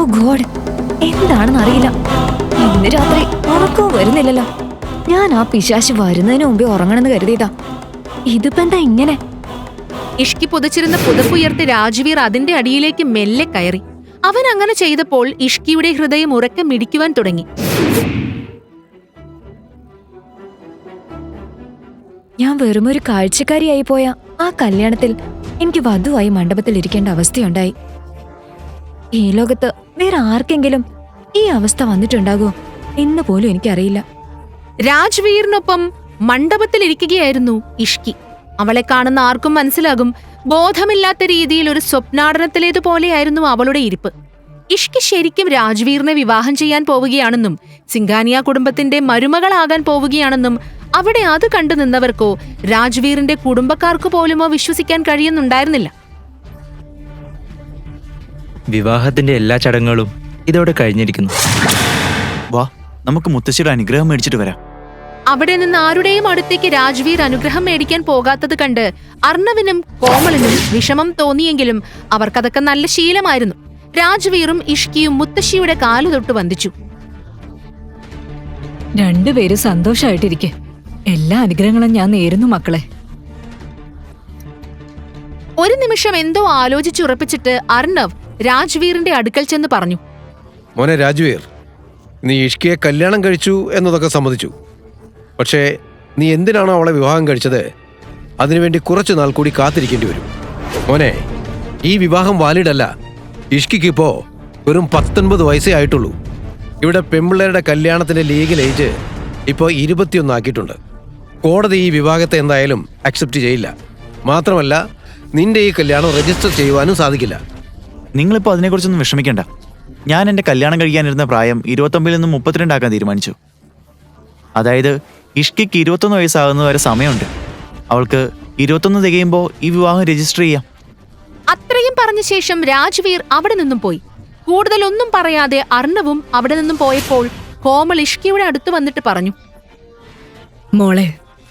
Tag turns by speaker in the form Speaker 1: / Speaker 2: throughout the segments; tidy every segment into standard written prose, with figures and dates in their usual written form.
Speaker 1: God, എന്താണെന്ന് അറിയില്ല. ഇന്ന് രാത്രി ഉറക്കവും വരുന്നില്ലല്ലോ. ഞാൻ ആ പിശാശ് വരുന്നതിന് മുമ്പേ ഉറങ്ങണമെന്ന് കരുതിയതാ. ഇതിപ്പോ എന്താ ഇങ്ങനെ?
Speaker 2: ഇഷ്കി പുതച്ചിരുന്ന പുതപ്പുയർത്തി രാജ്വീർ അതിന്റെ അടിയിലേക്ക് മെല്ലെ കയറി. അവൻ അങ്ങനെ ചെയ്തപ്പോൾ ഇഷ്കിയുടെ ഹൃദയം ഉറക്കം മിടിക്കുവാൻ തുടങ്ങി.
Speaker 1: ഞാൻ വെറുമൊരു കാഴ്ചക്കാരിയായി പോയ ആ കല്യാണത്തിൽ എനിക്ക് വധുവായി മണ്ഡപത്തിൽ ഇരിക്കേണ്ട അവസ്ഥയുണ്ടായി. ഈ ലോകത്ത് വേറെ ആർക്കെങ്കിലും ഈ അവസ്ഥ വന്നിട്ടുണ്ടാകുമോ എന്ന് പോലും എനിക്കറിയില്ല.
Speaker 2: രാജ്വീറിനൊപ്പം മണ്ഡപത്തിലിരിക്കുകയായിരുന്നു ഇഷ്കി. അവളെ കാണുന്ന ആർക്കും മനസ്സിലാകും, ബോധമില്ലാത്ത രീതിയിൽ ഒരു സ്വപ്നാടനത്തിലേതുപോലെയായിരുന്നു അവളുടെ ഇരിപ്പ്. ഇഷ്കി ശരിക്കും രാജ്വീറിനെ വിവാഹം ചെയ്യാൻ പോവുകയാണെന്നും സിംഗാനിയ കുടുംബത്തിന്റെ മരുമകളാകാൻ പോവുകയാണെന്നും അവിടെ അത് കണ്ടു നിന്നവർക്കോ രാജ്വീറിന്റെ കുടുംബക്കാർക്കു പോലുമോ വിശ്വസിക്കാൻ കഴിയുന്നുണ്ടായിരുന്നില്ല.
Speaker 3: വിവാഹത്തിന്റെ എല്ലാ ചടങ്ങുകളും ഇതോടെ കഴിഞ്ഞിരിക്കുന്നു.
Speaker 4: വാ, നമുക്ക് മുത്തശ്ശിയുടെ അനുഗ്രഹം മേടിച്ചിട്ട് വരാം.
Speaker 2: അവിടെ നിന്ന് ആരുടെയും അടുത്തേക്ക് രാജ്വീർ അനുഗ്രഹം മേടിക്കാൻ പോകാത്തത് കണ്ട് അർണവിനും കോമളിനും വിഷമം തോന്നിയെങ്കിലും അവർക്കതൊക്കെ നല്ല ശീലമായിരുന്നു. രാജ്വീറും ഇഷ്കിയും മുത്തശ്ശിയുടെ കാലു തൊട്ട് വന്ദിച്ചു.
Speaker 5: രണ്ടുപേരും സന്തോഷായിട്ടിരിക്കെ. എല്ലാ അനുഗ്രഹങ്ങളും ഞാൻ നേരുന്നു മക്കളെ.
Speaker 2: ഒരു നിമിഷം എന്തോ ആലോചിച്ചുറപ്പിച്ചിട്ട് അർണവ് രാജ്വീറിന്റെ അടുക്കൽ ചെന്ന് പറഞ്ഞു,
Speaker 6: മോനെ രാജ്വീർ, നീ ഇഷ്കിയെ കല്യാണം കഴിച്ചു എന്നതൊക്കെ സമ്മതിച്ചു. പക്ഷേ നീ എന്തിനാണോ അവളെ വിവാഹം കഴിച്ചത്, അതിനുവേണ്ടി കുറച്ചു നാൾ കൂടി കാത്തിരിക്കേണ്ടി വരും. മോനെ, ഈ വിവാഹം വാലിഡല്ല. ഇഷ്കിക്കിപ്പോ വെറും 19 വയസ്സേ ആയിട്ടുള്ളൂ. ഇവിടെ പെൺപിള്ളേരുടെ കല്യാണത്തിന്റെ ലീഗൽ ഏജ് ഇപ്പോൾ 21 ആക്കിയിട്ടുണ്ട്. കോടതി ഈ വിവാഹത്തെ എന്തായാലും അക്സെപ്റ്റ് ചെയ്യില്ല. മാത്രമല്ല, നിന്റെ ഈ കല്യാണം രജിസ്റ്റർ ചെയ്യുവാനും സാധിക്കില്ല.
Speaker 4: നിങ്ങളിപ്പോൾ അതിനെക്കുറിച്ചൊന്നും വിഷമിക്കേണ്ട. ഞാൻ എൻ്റെ കല്യാണം കഴിക്കാനിരുന്ന പ്രായം 29 നിന്നും 32 ആക്കാൻ തീരുമാനിച്ചു. അതായത് ഇഷ്കിക്ക് 21 വയസ്സാകുന്നത് വരെ സമയമുണ്ട്. അവൾക്ക് 21 തികയുമ്പോൾ ഈ വിവാഹം രജിസ്റ്റർ ചെയ്യാം.
Speaker 2: അത്രയും പറഞ്ഞ ശേഷം രാജ്വീർ അവിടെ നിന്നും പോയി. കൂടുതലൊന്നും പറയാതെ അർണവും അവിടെ നിന്നും പോയപ്പോൾ കോമൾ ഇഷ്കിയുടെ അടുത്ത് വന്നിട്ട് പറഞ്ഞു,
Speaker 5: മോളെ,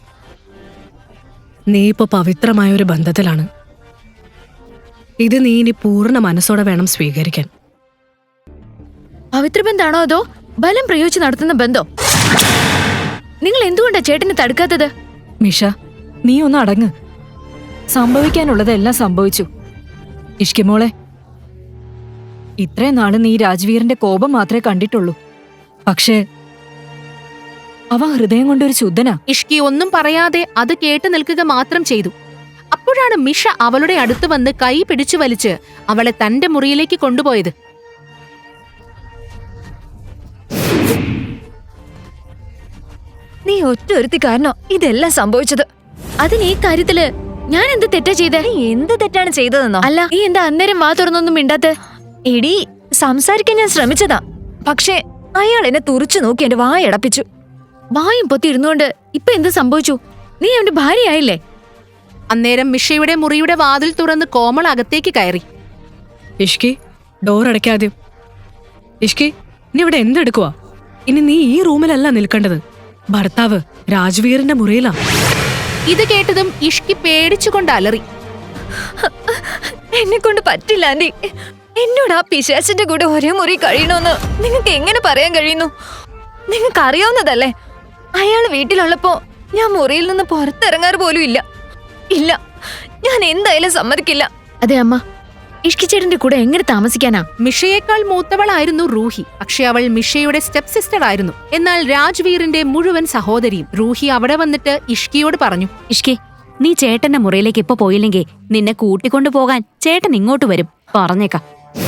Speaker 5: നീ ഇപ്പൊ പവിത്രമായ ഒരു ബന്ധത്തിലാണ്. ഇത് നീ ഇനി പൂർണ്ണ മനസ്സോടെ വേണം സ്വീകരിക്കാൻ.
Speaker 1: പവിത്രബന്ധാണോ അതോ ബലം പ്രയോഗിച്ച് നടത്തുന്ന ബന്ധോ? നിങ്ങൾ എന്തുകൊണ്ടാ ചേട്ടനെ തടുക്കാത്തത്?
Speaker 5: മിഷ, നീ ഒന്ന് അടങ്ങ്. സംഭവിക്കാനുള്ളതെല്ലാം സംഭവിച്ചു. ഇഷ്കി മോളെ, ഇത്രയും നാള് നീ രാജ്വീറിന്റെ കോപം മാത്രമേ കണ്ടിട്ടുള്ളൂ. പക്ഷേ അവ ഹൃദയം കൊണ്ടൊരു ശുദ്ധനാ.
Speaker 2: ഇഷ്കി ഒന്നും പറയാതെ അത് കേട്ടു നിൽക്കുക മാത്രം ചെയ്തു. അപ്പോഴാണ് മിഷ അവളുടെ അടുത്ത് വന്ന് കൈ പിടിച്ചു വലിച്ച് അവളെ തന്റെ മുറിയിലേക്ക് കൊണ്ടുപോയത്.
Speaker 1: നീ ഒറ്റ ഒരുത്തി കാരണോ ഇതെല്ലാം സംഭവിച്ചത്. അതിന് ഈ കാര്യത്തില് ഞാൻ എന്ത് തെറ്റാ ചെയ്തേ? എന്ത് തെറ്റാണ് ചെയ്തതെന്നോ? അല്ല, നീ എന്താ അന്നേരം വാ തുറന്നൊന്നും മിണ്ടാത്ത? എടി, സംസാരിക്കാൻ ഞാൻ ശ്രമിച്ചതാ. പക്ഷേ അയാൾ എന്നെ തുറച്ചു നോക്കി എന്റെ വായടപ്പിച്ചു. വായും പൊത്തി ഇരുന്നുകൊണ്ട് ഇപ്പൊ എന്ത് സംഭവിച്ചു? നീ അവന്റെ ഭാര്യയായില്ലേ?
Speaker 2: അന്നേരം മിഷയുടെ മുറിയുടെ വാതിൽ തുറന്ന് കോമൾ അകത്തേക്ക് കയറി.
Speaker 5: ഇഷ്കി, ഡോർ അടയ്ക്കാദ്യം. ഇഷ്കി, നീ ഇവിടെ എന്തെടുക്കുവാ? ഇനി നീ ഈ റൂമിലല്ല നിൽക്കേണ്ടത്. ഭർത്താവ് രാജ്വീറിന്റെ മുറിയിലാ.
Speaker 2: ഇത് കേട്ടതും ഇഷ്കി പേടിച്ചുകൊണ്ട് അലറി.
Speaker 1: എന്നെ കൊണ്ട് പറ്റില്ല ആന്റി. എന്നോട് ആ പിശാചിന്റെ കൂടെ ഒരേ മുറി കഴിയണമെന്ന് നിങ്ങൾക്ക് എങ്ങനെ പറയാൻ കഴിയുന്നു? നിങ്ങൾക്ക് അറിയാവുന്നതല്ലേ, അയാൾ വീട്ടിലുള്ളപ്പോ ഞാൻ മുറിയിൽ നിന്ന് പുറത്തിറങ്ങാറ് പോലും ഇല്ല. ഇല്ല, ഞാൻ എന്തായാലും സമ്മതിക്കില്ല. അതെ അമ്മ, ഇഷ്കി ചേട്ടന്റെ കൂടെ എങ്ങനെ താമസിക്കാനാ?
Speaker 2: മിഷയേക്കാൾ മൂത്തവളായിരുന്നു റൂഹി. പക്ഷെ അവൾ മിഷയുടെ സ്റ്റെപ്പ് സിസ്റ്റർ ആയിരുന്നു. എന്നാൽ രാജ്വീറിന്റെ മുഴുവൻ സഹോദരിയും. റൂഹി അവിടെ വന്നിട്ട് ഇഷ്കിയോട് പറഞ്ഞു,
Speaker 7: ഇഷ്കി, നീ ചേട്ടന്റെ മുറിയിലേക്ക് ഇപ്പൊ പോയില്ലെങ്കിൽ നിന്നെ കൂട്ടിക്കൊണ്ടു പോകാൻ ചേട്ടൻ ഇങ്ങോട്ട് വരും. പറഞ്ഞേക്കാം.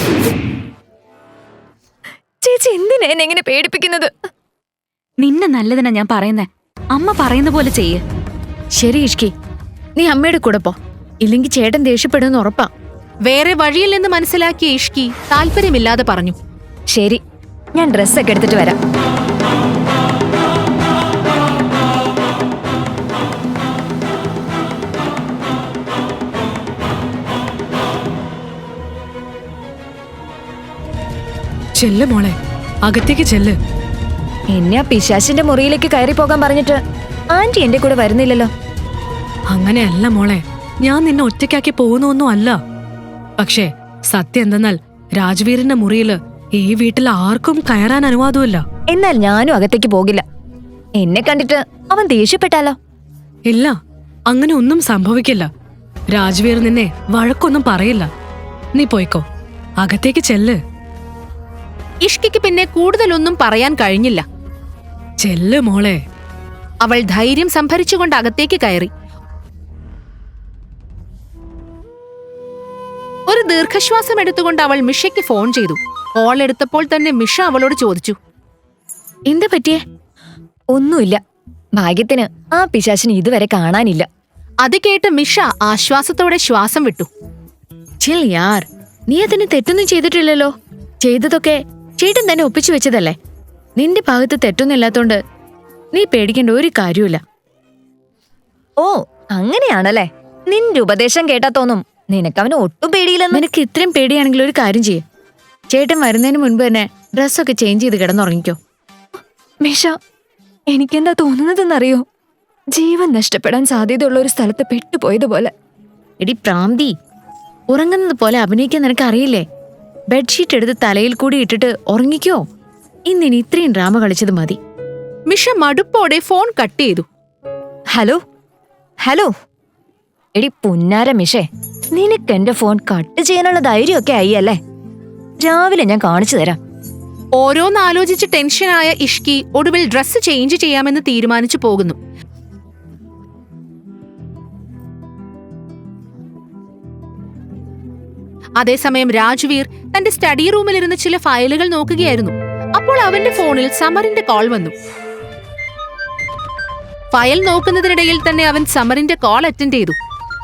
Speaker 1: ചേച്ചി എന്തിനാ എന്നെ എങ്ങനെ പേടിപ്പിക്കുന്നത്?
Speaker 7: നിന്നെ നല്ലതിനാ ഞാൻ പറയുന്നേ. അമ്മ പറയുന്ന പോലെ ചെയ്യ്.
Speaker 1: ശരി ഇഷ്കി, നീ അമ്മയുടെ കൂടെ പോ. ഇല്ലെങ്കിൽ ചേട്ടൻ ദേഷ്യപ്പെടുമെന്ന് ഉറപ്പാ.
Speaker 2: വേറെ വഴിയില്ലെന്ന് മനസ്സിലാക്കിയ ഇഷ്കി താല്പര്യമില്ലാതെ പറഞ്ഞു,
Speaker 1: ശരി, ഞാൻ ഡ്രസ്സൊക്കെ എടുത്തിട്ട് വരാം.
Speaker 5: ചെല്ല് മോളെ, അകത്തേക്ക് ചെല്ല്.
Speaker 1: എന്നെ ആ പിശാചിന്റെ മുറിയിലേക്ക് കയറി പോകാൻ പറഞ്ഞിട്ട് ആന്റി എന്റെ കൂടെ വരുന്നില്ലല്ലോ.
Speaker 5: അങ്ങനെയല്ല മോളെ, ഞാൻ നിന്നെ ഒറ്റയ്ക്കാക്കി പോകുന്നൊന്നും അല്ല. പക്ഷേ സത്യം എന്തെന്നാൽ രാജ്വീറിന്റെ മുറിയില് ഈ വീട്ടിൽ ആർക്കും കയറാൻ അനുവാദമില്ല.
Speaker 1: എന്നാൽ ഞാനും അകത്തേക്ക് പോകില്ല. എന്നെ കണ്ടിട്ട് അവൻ ദേഷ്യപ്പെട്ടാലോ?
Speaker 5: ഇല്ല, അങ്ങനെ ഒന്നും സംഭവിക്കില്ല. രാജ്വീർ നിന്നെ വഴക്കൊന്നും പറയില്ല. നീ പോയിക്കോ, അകത്തേക്ക് ചെല്ല്.
Speaker 2: ഇഷ്കിക്ക് പിന്നെ കൂടുതലൊന്നും പറയാൻ കഴിഞ്ഞില്ല.
Speaker 5: ചെല്ല് മോളെ.
Speaker 2: അവൾ ധൈര്യം സംഭരിച്ചുകൊണ്ട് അകത്തേക്ക് കയറി. ഒരു ദീർഘശ്വാസം എടുത്തുകൊണ്ട് അവൾ മിഷയ്ക്ക് ഫോൺ ചെയ്തു. കോൾ എടുത്തപ്പോൾ തന്നെ മിഷ അവളോട് ചോദിച്ചു,
Speaker 1: എന്താ പറ്റിയേ? ഒന്നുമില്ല. ഭാഗ്യത്തിന് ആ പിശാചിനെ ഇതുവരെ കാണാനില്ല.
Speaker 2: അത് കേട്ട് മിഷ ആശ്വാസത്തോടെ ശ്വാസം വിട്ടു.
Speaker 1: ചിൽ യാർ, നീ അതിന് തെറ്റൊന്നും ചെയ്തിട്ടില്ലല്ലോ. ചെയ്തതൊക്കെ ചേട്ടൻ തന്നെ ഒപ്പിച്ചു വെച്ചതല്ലേ. നിന്റെ ഭാഗത്ത് തെറ്റൊന്നും ഇല്ലാത്തോണ്ട് നീ പേടിക്കേണ്ട ഒരു കാര്യമില്ല. ഓ, അങ്ങനെയാണല്ലേ. നിന്റെ ഉപദേശം കേട്ടാ തോന്നും നിനക്കവന് ഒട്ടും പേടിയില്ലെന്ന്. നിനക്ക് ഇത്രയും പേടിയാണെങ്കിൽ ഒരു കാര്യം ചെയ്യും. ചേട്ടൻ വരുന്നതിന് മുൻപ് തന്നെ ഡ്രസ്സൊക്കെ ചേഞ്ച് ചെയ്ത് കിടന്നുറങ്ങിക്കോ. മിഷ, എനിക്കെന്താ തോന്നുന്നതെന്നറിയോ? ജീവൻ നഷ്ടപ്പെടാൻ സാധ്യതയുള്ള ഒരു സ്ഥലത്ത് പെട്ടുപോയതുപോലെ. എടി പ്രാന്തി, ഉറങ്ങുന്നത് പോലെ അഭിനയിക്കാൻ നിനക്ക് അറിയില്ലേ? ബെഡ്ഷീറ്റ് എടുത്ത് തലയിൽ കൂടി ഇട്ടിട്ട് ഉറങ്ങിക്കോ. ഇന്നിനി ഇത്രയും ഡ്രാമ കളിച്ചത് മതി.
Speaker 2: മിഷ മടുപ്പോടെ ഫോൺ കട്ട് ചെയ്തു.
Speaker 1: ഹലോ ഹലോ, എടി പുന്നാര മിഷേ, നിനക്ക് എന്റെ ഫോൺ കട്ട് ചെയ്യാനുള്ള ധൈര്യമൊക്കെ ആയി അല്ലേ? രാവിലെ ഞാൻ കാണിച്ചു തരാം.
Speaker 2: ഓരോന്നാലോചിച്ച് ടെൻഷനായ ഇഷ്കി ഒടുവിൽ ഡ്രസ്സ് ചേഞ്ച് ചെയ്യാമെന്ന് തീരുമാനിച്ചു പോകുന്നു. അതേസമയം രാജ്വീർ തന്റെ സ്റ്റഡി റൂമിലിരുന്ന് ചില ഫയലുകൾ നോക്കുകയായിരുന്നു. അപ്പോൾ അവന്റെ ഫോണിൽ സമറിന്റെ കോൾ വന്നു. ഫയൽ നോക്കുന്നതിനിടയിൽ തന്നെ അവൻ സമറിന്റെ കോൾ അറ്റൻഡ് ചെയ്തു.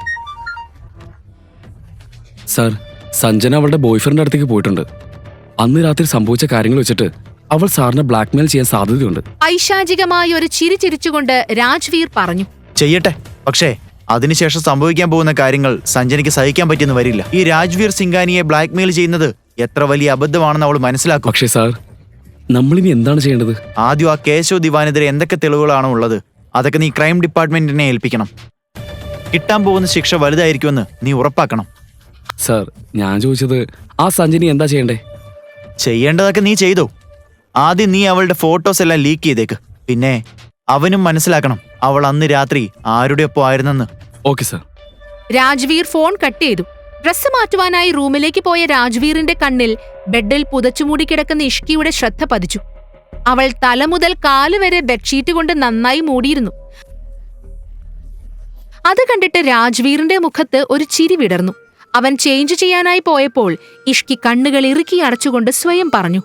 Speaker 8: സാർ, സഞ്ജന അവളുടെ ബോയ്ഫ്രണ്ട് അടുത്തേക്ക് പോയിട്ടുണ്ട്. അന്ന് രാത്രി സംഭവിച്ച കാര്യങ്ങൾ വെച്ചിട്ട് അവൾ സാറിനെ ബ്ലാക്ക്മെയിൽ ചെയ്യാൻ സാധ്യതയുണ്ട്.
Speaker 2: ഐശാചികമായ ഒരു ചിരി ചിരിച്ചുകൊണ്ട് രാജ്വീർ പറഞ്ഞു.
Speaker 4: ചെയ്യട്ടെ, പക്ഷേ അതിനുശേഷം സംഭവിക്കാൻ പോകുന്ന കാര്യങ്ങൾ സഞ്ജനയ്ക്ക് സഹിക്കാൻ പറ്റിയെന്ന് വരില്ല. ഈ രാജ്വീർ സിംഗാനിയെ ബ്ലാക്ക്മെയിൽ ചെയ്യുന്നത് എത്ര വലിയ അബദ്ധമാണെന്ന് അവൾ മനസ്സിലാക്കും.
Speaker 8: പക്ഷേ സാർ, നമ്മളിനി എന്താണ് ചെയ്യേണ്ടത്?
Speaker 4: ആദ്യം ആ കേശവ് ദിവാനെതിരെ എന്തൊക്കെ തെളിവുകളാണോ ഉള്ളത് അതൊക്കെ നീ ക്രൈം ഡിപ്പാർട്ട്മെന്റിനെ ഏൽപ്പിക്കണം. കിട്ടാൻ പോകുന്ന ശിക്ഷ വലുതായിരിക്കുമെന്ന് നീ ഉറപ്പാക്കണം.
Speaker 8: സാർ, ഞാൻ ചോദിച്ചത് ആ സഞ്ജനി എന്താ ചെയ്യണ്ടേ?
Speaker 4: ചെയ്യേണ്ടതൊക്കെ നീ ചെയ്തോ. ആദ്യം നീ അവളുടെ ഫോട്ടോസ് എല്ലാം ലീക്ക് ചെയ്തേക്ക്. പിന്നെ അവനും മനസ്സിലാക്കണം അവൾ അന്ന് രാത്രി ആരുടെ ഒപ്പം ആയിരുന്നെന്ന്.
Speaker 8: Okay sir.
Speaker 2: Rajveer phone cut ചെയ്തു. ഡ്രസ്സ് മാറ്റുവാനായി റൂമിലേക്ക് പോയ രാജ്വീറിന്റെ കണ്ണിൽ ബെഡിൽ പുതച്ചുമൂടി കിടക്കുന്ന ഇഷ്കിയുടെ ശ്രദ്ധ പതിച്ചു. അവൾ തല മുതൽ കാല് വരെ ബെഡ്ഷീറ്റ് കൊണ്ട് നന്നായി മൂടിയിരുന്നു. അത് കണ്ടിട്ട് രാജ്വീറിന്റെ മുഖത്ത് ഒരു ചിരി വിടർന്നു. അവൻ ചേഞ്ച് ചെയ്യാനായി പോയപ്പോൾ ഇഷ്കി കണ്ണുകൾ ഇറുക്കി അടച്ചുകൊണ്ട് സ്വയം പറഞ്ഞു,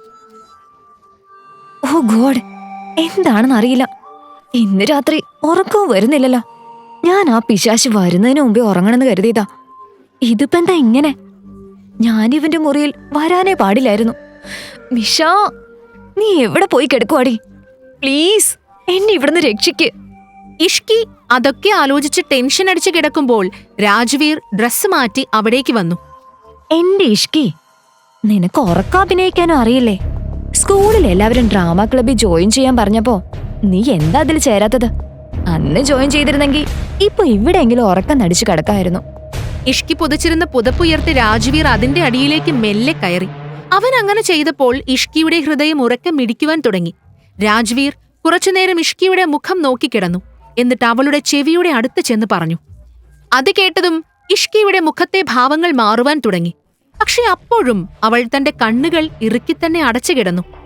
Speaker 1: ഓ ഗോഡ്, എന്താണെന്ന് അറിയില്ല. ഇന്ന് രാത്രി ഉറക്കവും വരുന്നില്ലല്ലോ. ഞാൻ ആ പിശാച് വരുന്നതിന് മുമ്പേ ഉറങ്ങണമെന്ന് കരുതിയതാ. ഇതിപ്പോ എന്താ ഇങ്ങനെ? ഞാനിവന്റെ മുറിയിൽ വരാനേ പാടില്ലായിരുന്നു. മിഷ, നീ എവിടെ പോയി കിടക്കുവാടി? പ്ലീസ് എന്നെ ഇവിടുന്ന് രക്ഷിക്ക്.
Speaker 2: ഇഷ്കി അതൊക്കെ ആലോചിച്ച് ടെൻഷൻ അടിച്ച് കിടക്കുമ്പോൾ രാജ്വീർ ഡ്രസ്സ് മാറ്റി അവിടേക്ക് വന്നു.
Speaker 1: എന്റെ ഇഷ്കി, നിനക്ക് ഉറക്കാഭിനയിക്കാനും അറിയില്ലേ? സ്കൂളിൽ എല്ലാവരും ഡ്രാമ ക്ലബിൽ ജോയിൻ ചെയ്യാൻ പറഞ്ഞപ്പോ നീ എന്താ അതിൽ ചേരാത്തത്? അന്ന് ജോയിൻ ചെയ്തിരുന്നെങ്കിൽ ഇപ്പൊ ഇവിടെയെങ്കിലും ഉറക്കം നടിച്ചു കിടക്കായിരുന്നു.
Speaker 2: ഇഷ്കി പുതച്ചിരുന്ന പുതപ്പുയർത്തി രാജ്വീർ അതിന്റെ അടിയിലേക്ക് മെല്ലെ കയറി. അവൻ അങ്ങനെ ചെയ്തപ്പോൾ ഇഷ്കിയുടെ ഹൃദയം ഉറക്കെ മിടിക്കുവാൻ തുടങ്ങി. രാജ്വീർ കുറച്ചുനേരം ഇഷ്കിയുടെ മുഖം നോക്കിക്കിടന്നു. എന്നിട്ട് അവളുടെ ചെവിയുടെ അടുത്ത് ചെന്ന് പറഞ്ഞു. അത് കേട്ടതും ഇഷ്കിയുടെ മുഖത്തെ ഭാവങ്ങൾ മാറുവാൻ തുടങ്ങി. പക്ഷെ അപ്പോഴും അവൾ തന്റെ കണ്ണുകൾ ഇറുക്കിത്തന്നെ അടച്ചു കിടന്നു.